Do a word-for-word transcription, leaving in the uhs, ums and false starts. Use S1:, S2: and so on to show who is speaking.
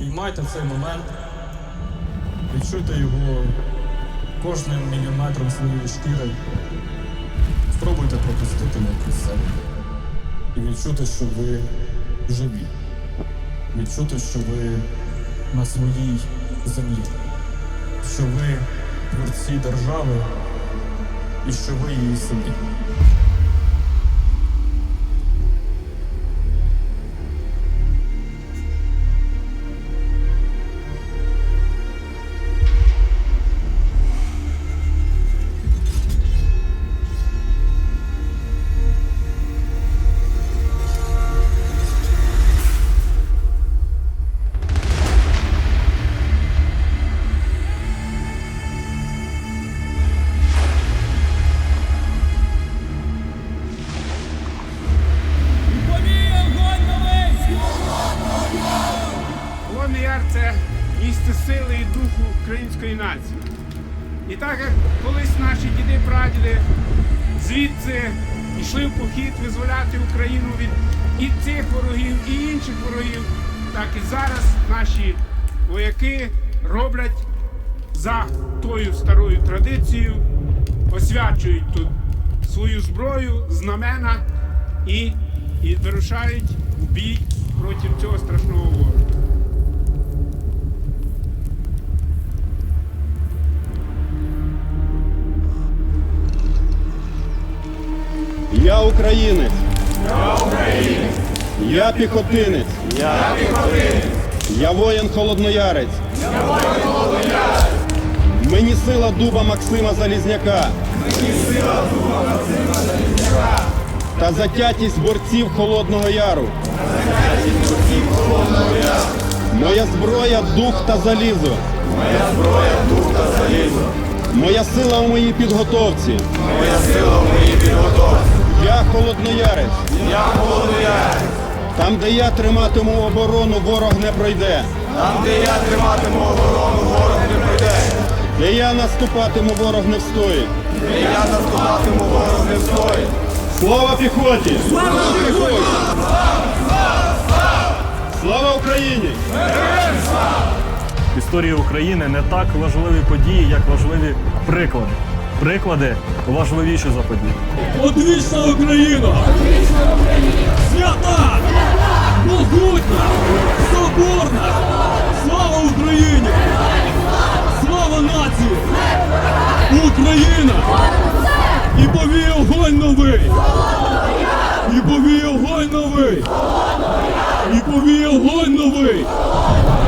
S1: Спіймайте цей момент, відчуйте його кожним міліметром своєї шкіри. Спробуйте пропустити його крізь себе. І відчути, що ви живі. Відчути, що ви на своїй землі. Що ви творці держави і що ви її сини.
S2: Холодний Яр – це місце сили і духу української нації. І так, як колись наші діди-прадіди звідси йшли в похід визволяти Україну від і цих ворогів, і інших ворогів, так і зараз наші вояки роблять за тою старою традицією, освячують тут свою зброю, знамена і, і вирушають у бій проти цього страшного ворога.
S3: Я українець.
S4: Я українець.
S3: Я піхотинець.
S4: Я піхотинець.
S3: Я воїн холодноярець.
S4: Я воїн холодноярець.
S3: Мені сила дуба Максима Залізняка.
S4: Мені сила дуба Максима Залізняка.
S3: Та затятість борців Холодного Яру.
S4: Та затятість борців Холодного Яру.
S3: Моя зброя – дух та залізо.
S4: Моя зброя – дух та залізо.
S3: Моя сила у моїй підготовці.
S4: Моя сила в моїй підготовці.
S3: Я холодноярець.
S4: Я холодноярець.
S3: Там, де я триматиму оборону, ворог не пройде.
S4: Там, де я триматиму оборону, ворог не пройде.
S3: Де я наступатиму, ворог не встоїть.
S4: Де я наступатиму, ворог не встоїть.
S3: Слава піхоті! Слава піхоті! Слава Україні!
S5: В історії України не так важливі події, як важливі приклади. Приклади важливіші за події.
S1: Одвічна Україна! Свята! Могутня! Соборна! Слава Україні! Слава нації! Україна! І повій огонь новий! І повій огонь новий! І повій огонь новий!